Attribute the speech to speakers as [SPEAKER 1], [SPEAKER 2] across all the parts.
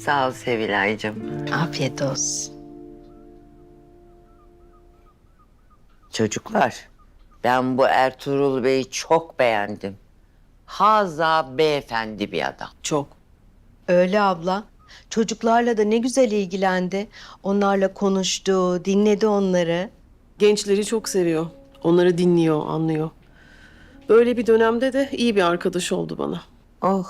[SPEAKER 1] Sağ ol Sevilay'cığım.
[SPEAKER 2] Afiyet olsun.
[SPEAKER 1] Çocuklar, ben bu Ertuğrul Bey'i çok beğendim. Haza beyefendi bir adam.
[SPEAKER 2] Çok. Öyle abla. Çocuklarla da ne güzel ilgilendi. Onlarla konuştu, dinledi onları.
[SPEAKER 3] Gençleri çok seviyor. Onları dinliyor, anlıyor. Böyle bir dönemde de iyi bir arkadaş oldu bana.
[SPEAKER 1] Oh.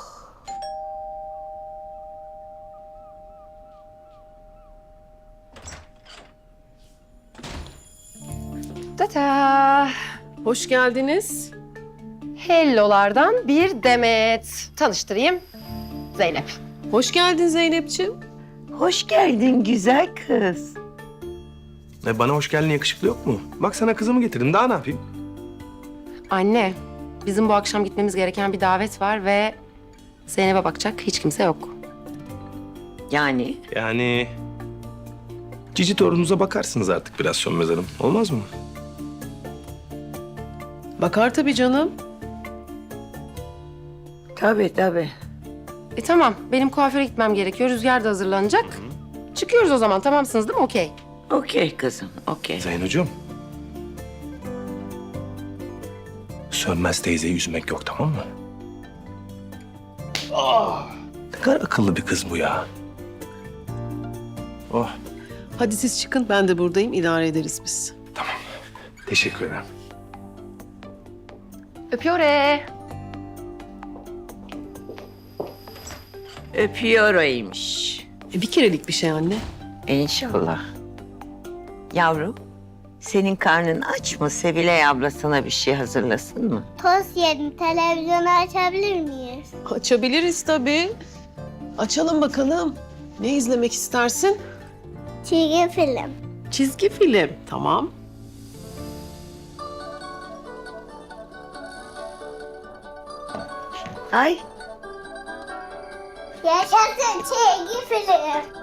[SPEAKER 4] Tata.
[SPEAKER 3] Hoş geldiniz.
[SPEAKER 4] Hello'lardan bir Demet. Tanıştırayım. Zeynep.
[SPEAKER 3] Hoş geldin Zeynep'ciğim.
[SPEAKER 1] Hoş geldin güzel kız.
[SPEAKER 5] Bana hoş geldin yakışıklı yok mu? Bak sana kızımı getirdim, daha ne yapayım?
[SPEAKER 4] Anne, bizim bu akşam gitmemiz gereken bir davet var ve Zeynep'e bakacak hiç kimse yok.
[SPEAKER 1] Yani
[SPEAKER 5] Yani... Cici torununuza bakarsınız artık biraz Sönmez Hanım. Olmaz mı?
[SPEAKER 3] Bakar tabii canım.
[SPEAKER 1] tabii.
[SPEAKER 4] Tamam, benim kuaföre gitmem gerekiyor. Rüzgar da hazırlanacak. Çıkıyoruz o zaman, tamamsınız değil mi? Okey.
[SPEAKER 1] Okey kızım, okey.
[SPEAKER 5] Zeynocuğum. Sönmez teyzeyi üzmek yok, tamam mı? Ne kadar akıllı bir kız bu ya. Oh,
[SPEAKER 3] Hadi siz çıkın, ben de buradayım. İdare ederiz biz.
[SPEAKER 5] teşekkür ederim.
[SPEAKER 4] Öpüyorum.
[SPEAKER 1] Öpüyoraymış.
[SPEAKER 3] Bir kerelik bir şey anne.
[SPEAKER 1] İnşallah. Yavrum, senin karnın aç mı? Sevilay abla sana bir şey hazırlasın mı?
[SPEAKER 6] Tost yedim. Televizyonu açabilir miyiz?
[SPEAKER 3] Açabiliriz tabii. Açalım bakalım. Ne izlemek istersin?
[SPEAKER 6] Çizgi film.
[SPEAKER 3] Çizgi film. Tamam.
[SPEAKER 1] Ay,
[SPEAKER 6] Yaşasın çizgi film.